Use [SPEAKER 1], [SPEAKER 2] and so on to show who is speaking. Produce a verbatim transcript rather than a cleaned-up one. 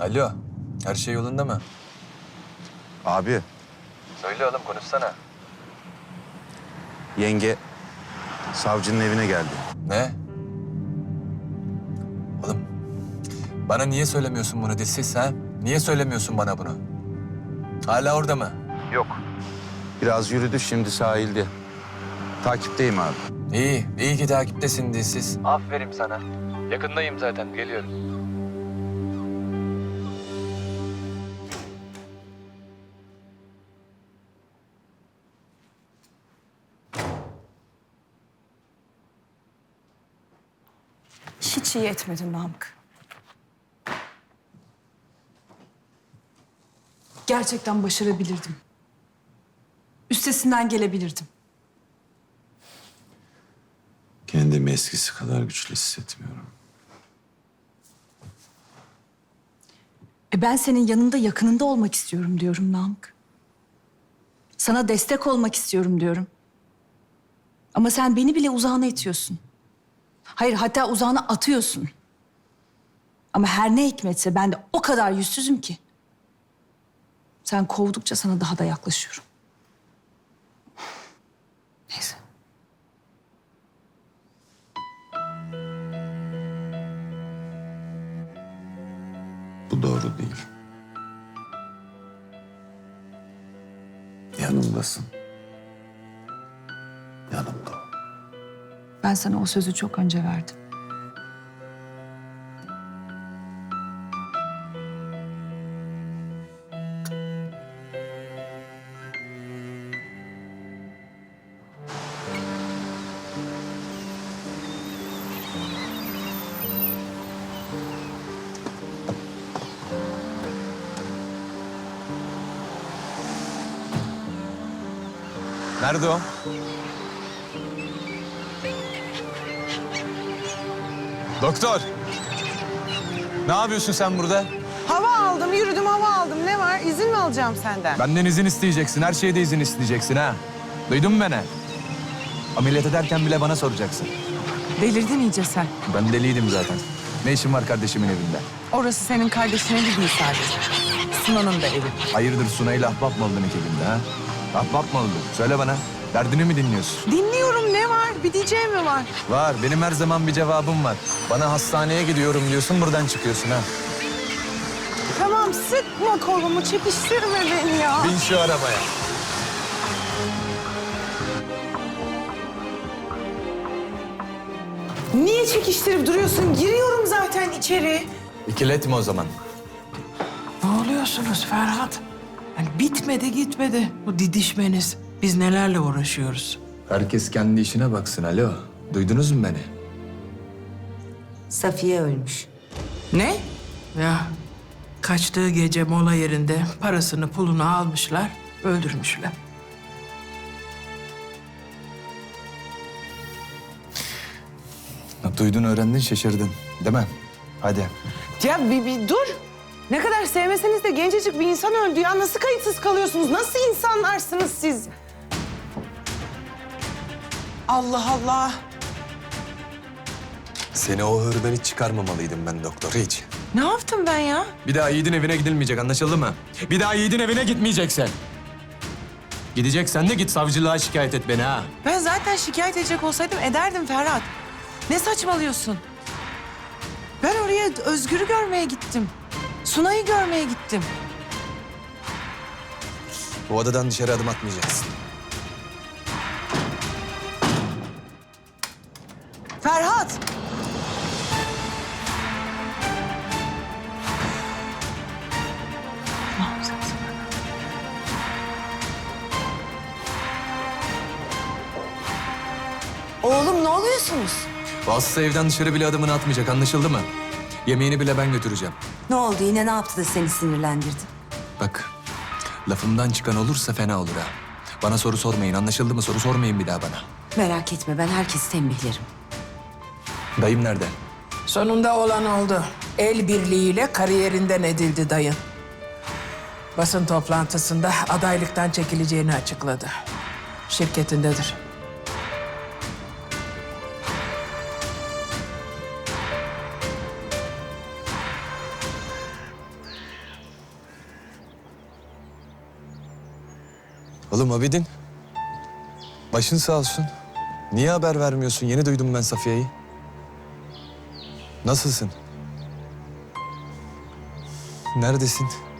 [SPEAKER 1] Alo, her şey yolunda mı?
[SPEAKER 2] Abi,
[SPEAKER 1] Söyle oğlum, konuşsana.
[SPEAKER 2] yenge savcının evine geldi.
[SPEAKER 1] Ne? Oğlum, bana niye söylemiyorsun bunu dilsiz ha? Niye söylemiyorsun bana bunu? Hala orada mı?
[SPEAKER 2] Yok. Biraz yürüdü, şimdi sahilde. Takipteyim abi.
[SPEAKER 1] İyi, iyi ki takiptesin dilsiz. Aferin sana. Yakındayım zaten, geliyorum.
[SPEAKER 3] Hiç iyi etmedin Namık. Gerçekten başarabilirdim. Üstesinden gelebilirdim.
[SPEAKER 4] Kendimi eskisi kadar güçlü hissetmiyorum.
[SPEAKER 3] E ben senin yanında, yakınında olmak istiyorum diyorum Namık. Sana destek olmak istiyorum diyorum. Ama sen beni bile uzağına itiyorsun. Hayır, hatta uzağına atıyorsun. Ama her ne hikmetse ben de o kadar yüzsüzüm ki. Sen kovdukça sana daha da yaklaşıyorum. Neyse.
[SPEAKER 4] Bu doğru değil. Yanımdasın. Yanımda ol.
[SPEAKER 3] Ben sana o sözü çok önce verdim.
[SPEAKER 1] Nerede o? Doktor! Ne yapıyorsun sen burada?
[SPEAKER 5] Hava aldım, yürüdüm, hava aldım. Ne var? İzin mi alacağım senden?
[SPEAKER 1] Benden izin isteyeceksin, her şeyde izin isteyeceksin ha. Duydun mu beni? Ameliyat ederken bile bana soracaksın.
[SPEAKER 5] Delirdin iyice sen.
[SPEAKER 1] Ben deliydim zaten. Ne işin var kardeşimin evinde?
[SPEAKER 5] Orası senin kardeşinin evi değil sadece. Sunan'ın da evi.
[SPEAKER 1] Hayırdır Sunay'la ahbap mı oldun ekibinde ha? Ahbap mı oldun? Söyle bana. Derdini mi dinliyorsun?
[SPEAKER 5] Dinliyorum, ne var? Bir diyeceğim mi var?
[SPEAKER 1] Var. Benim her zaman bir cevabım var. Bana hastaneye gidiyorum diyorsun, buradan çıkıyorsun ha.
[SPEAKER 5] Tamam, sıkma kolumu, çekiştirme beni ya.
[SPEAKER 1] Bin şu arabaya.
[SPEAKER 5] Niye çekiştirip duruyorsun? Giriyorum zaten içeri.
[SPEAKER 1] İkiletme o zaman.
[SPEAKER 6] Ne oluyorsunuz Ferhat? Yani bitmedi gitmedi bu didişmeniz. Biz nelerle uğraşıyoruz?
[SPEAKER 1] Herkes kendi işine baksın. Alo. Duydunuz mu beni?
[SPEAKER 7] Safiye ölmüş.
[SPEAKER 6] Ne? Ya kaçtığı gece mola yerinde parasını pulunu almışlar, öldürmüşler.
[SPEAKER 1] Duydun, öğrendin, şaşırdın. Değil mi? Hadi.
[SPEAKER 5] Ya bir, bir dur. Ne kadar sevmeseniz de gencecik bir insan öldü ya. Nasıl kayıtsız kalıyorsunuz? Nasıl insanlarsınız siz? Allah Allah.
[SPEAKER 1] Seni o hırdan hiç çıkarmamalıydım ben doktor, hiç.
[SPEAKER 5] Ne yaptım ben ya?
[SPEAKER 1] Bir daha Yiğit'in evine gidilmeyecek, anlaşıldı mı? Bir daha Yiğit'in evine gitmeyeceksin. Gideceksen de git savcılığa şikayet et beni ha.
[SPEAKER 5] Ben zaten şikayet edecek olsaydım ederdim Ferhat. Ne saçmalıyorsun? Ben oraya Özgür'ü görmeye gittim. Sunay'ı görmeye gittim.
[SPEAKER 1] Bu odadan dışarı adım atmayacaksın.
[SPEAKER 5] Ferhat!
[SPEAKER 7] Oğlum ne oluyorsunuz?
[SPEAKER 1] Bu hasta evden dışarı bile adımını atmayacak, anlaşıldı mı? Yemeğini bile ben götüreceğim.
[SPEAKER 7] Ne oldu yine, ne yaptı da seni sinirlendirdi?
[SPEAKER 1] Bak, lafımdan çıkan olursa fena olur ha. Bana soru sormayın, anlaşıldı mı? Soru sormayın bir daha bana.
[SPEAKER 7] Merak etme, ben herkesi tembihlerim.
[SPEAKER 1] Dayım nerede?
[SPEAKER 6] Sonunda olan oldu. El birliğiyle kariyerinden edildi dayın. Basın toplantısında adaylıktan çekileceğini açıkladı. Şirketindedir.
[SPEAKER 8] Oğlum Abidin. Başın sağ olsun. Niye haber vermiyorsun? Yeni duydum ben Safiye'yi. Nasılsın? Neredesin?